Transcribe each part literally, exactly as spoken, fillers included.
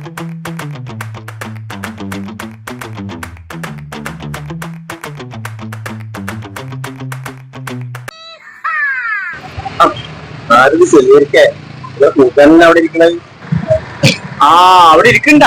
അവിടെ ഇരിക്കണ ആ അവിടെ ഇരിക്കണ്ട.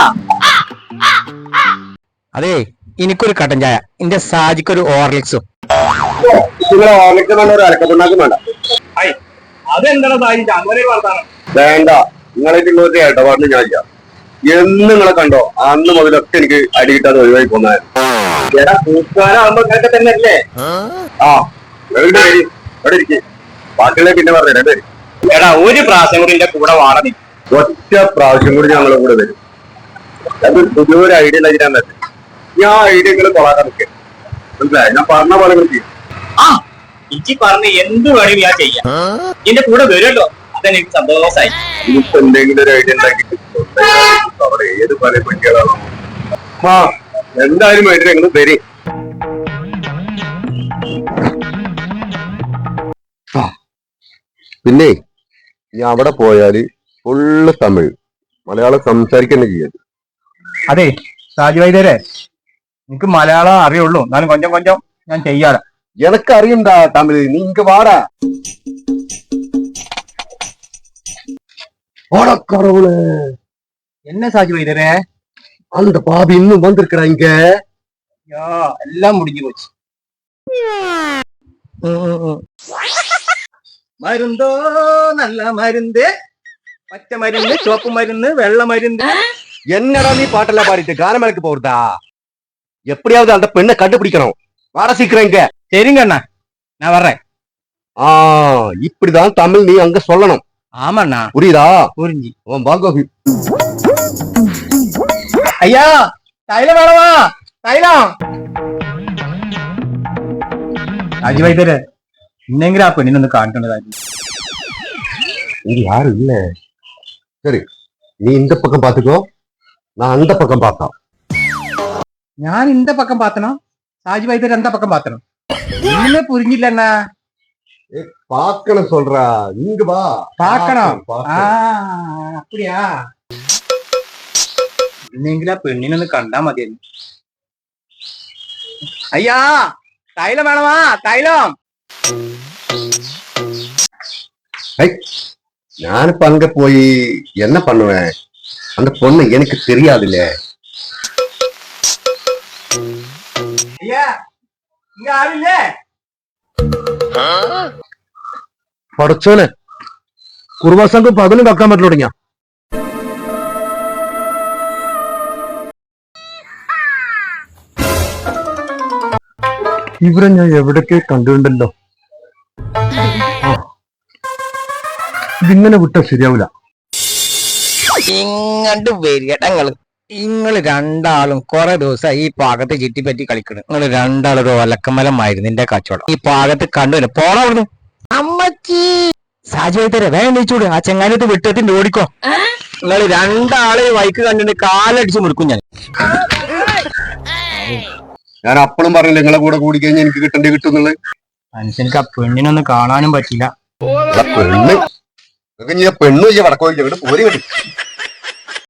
അതെ, എനിക്കൊരു കട്ടൻ ചായ, എന്റെ സാജിക്കൊരു ഓർലിക്സും. നിങ്ങളെ ഓർലിക്സ് വേണ്ട, ഒരു അലക്കപ്പുണ്ടാക്കും വേണ്ട. അതെന്താണ് സാജി അങ്ങനെ വർത്താനം? വേണ്ട, നിങ്ങളായിട്ടുള്ള ഒരു ഇടപാടിന് ഞാൻ ചെയ്യാം. എന്ന് നിങ്ങളെ കണ്ടോ അന്ന് മുതലൊക്കെ എനിക്ക് അടി കിട്ടാതെ ഒഴിവായി പോന്നായിരുന്നു. എടാ കൂട്ടുകാരാകുമ്പോ ഇങ്ങനൊക്കെ തന്നെ അല്ലേ? ആ ഇവിടെ ഇരിക്കും, ബാക്കിയുള്ള പിന്നെ പറഞ്ഞു രണ്ടുപേര്. എടാ ഒരു പ്രാവശ്യം കൂടി എന്റെ കൂടെ വാട നീ. ഒറ്റ പ്രാവശ്യം കൂടി ഞങ്ങളെ കൂടെ വരും. അത് പുതിയൊരു ഐഡിയ ഇല്ലാതിരാൻ പറ്റും. ഞാൻ ഐഡിയകൾ കൊള്ളാക്കാൻ നിൽക്കുക, മനസ്സിലായി? ഞാൻ പറഞ്ഞ പോലെ ചെയ്യും. ആ എനിക്ക് പറഞ്ഞ് എന്ത് വേണേ ഞാൻ ചെയ്യാം. എന്റെ കൂടെ വരുമല്ലോ, അതെനിക്ക് സന്തോഷമായി. ഇനിയിപ്പോ എന്തെങ്കിലും ഒരു ഐഡിയ ഉണ്ടാക്കിട്ട് അവിടെ ഏത് പറയാൻ പറ്റിയതാണോ? ആ എന്തായാലും വേണ്ടി നിങ്ങൾ വരും. പിന്നെ ഞാൻ അവിടെ പോയാല് ഫുള്ള് തമിഴ്, മലയാളം സംസാരിക്കന്നെ ചെയ്യാം. അതെ സാജി വൈദ്യരെ, എനിക്ക് മലയാളം അറിയുള്ളൂ, എന്നാലും കൊഞ്ചം കൊഞ്ചം ഞാൻ ചെയ്യാറ്. എനക്ക് അറിയണ്ടാ തമിഴ്, നീ ഇങ്ങ് വാടാ. ഓടക്കറവുള് എന്നെ സാജി വൈദ്യരെ, அந்த பாபி இன்னும் வந்திருக்கா இங்க? എല്ലാം മുടിഞ്ഞു പോச்சு. മരുന്തോ നല്ല മരുന്ന്, പച്ച മരുന്ന്, ചുവപ്പ് മരുന്ന്, വെള്ള മരുന്ന്. என்னடா நீ பாட்டெல்லாம் பாடிட்டு கானமேலுக்கு போறதா? எப்படியாவது அந்த பெண்ணை கண்டுபிடிக்கணும். வர சீக்கிரம் இங்க. சரிங்க அண்ணா, நான் வர்றேன். ஆ இப்படிதான் தமிழ் நீ அங்க சொல்லணும். ஆமாண்ணா, புரியுதா? புரிஞ்சு. உன் பாகோபி. ஐயா தைலம் வேணவா? தைலம். സാജി വൈദ്യരെ, ഇന്നെങ്കിലും ആ പെണ്ണിനൊന്ന് കാണിക്കേണ്ടതായിരുന്നു. இங்க யாரும் இல்ல. சரி, நீ இந்த பக்கம் பாத்துக்கோ, நான் அந்த பக்கம் பார்த்தோம். ഞാൻ இந்த പക്കം പാത്തണം, സാജി വൈദ്യർ എന്താ പക്കം പാത്തണം? ഇന്നെ പുരിഞ്ഞില്ല അണ്ണാ. பாக்கணும் சொல்றா, இங்க வா. പാക്കണം. ആ അപ്പടിയാ. ഇന്നെങ്കിലും ആ പെണ്ണിനൊന്ന് കണ്ടാ മതിയായിരുന്നു. അയ്യാ തൈലം വേണമാ? തൈലം. ഞാനിപ്പ அங்க போய் என்ன பண்ணுவேன்? அந்த பொண்ணு எனக்கு தெரியாதுல்ல. ஐயா இங்க ஆளில்லே? പടച്ചോനെ, കുറുവാസംഘം പകലും വെക്കാൻ പറ്റില്ല തുടങ്ങിയ. ഇവരെ ഞാൻ എവിടൊക്കെ കണ്ടിട്ടുണ്ടല്ലോ. ഇതിങ്ങനെ വിട്ടാ ശരിയാവില്ല. ഇങ്ങണ്ട് വരികടങ്ങള്, നിങ്ങള് രണ്ടാളും കൊറേ ദിവസം ഈ പാകത്ത് ചുറ്റിപ്പറ്റി കളിക്കണ്. നിങ്ങള് രണ്ടാളും ഒരു ഒലക്കമലമായിരുന്നു നിന്റെ കച്ചവടം. ഈ പാകത്ത് കണ്ടുവരും പോണ അവിടുന്ന്. അമ്മച്ചി സാജി വൈദ്യരെ വേഗം നീച്ചൂട്, ആ ചെങ്ങാനത്ത് വിട്ടത്തിന്റെ ഓടിക്കോ. നിങ്ങള് രണ്ടാളെ വൈക്ക് കണ്ടിട്ട് കാലടിച്ച് മുറുക്കും ഞാൻ. ഞാൻ അപ്പളും പറഞ്ഞില്ല നിങ്ങളെ കൂടെ കൂടി കഴിഞ്ഞാൽ എനിക്ക് കിട്ടേണ്ടി കിട്ടുന്നുള്ളത്. മനുഷ്യർക്ക് ആ പെണ്ണിനൊന്നും കാണാനും പറ്റില്ല. പെണ്ണ് പെണ്ണു വടക്കോ പോരി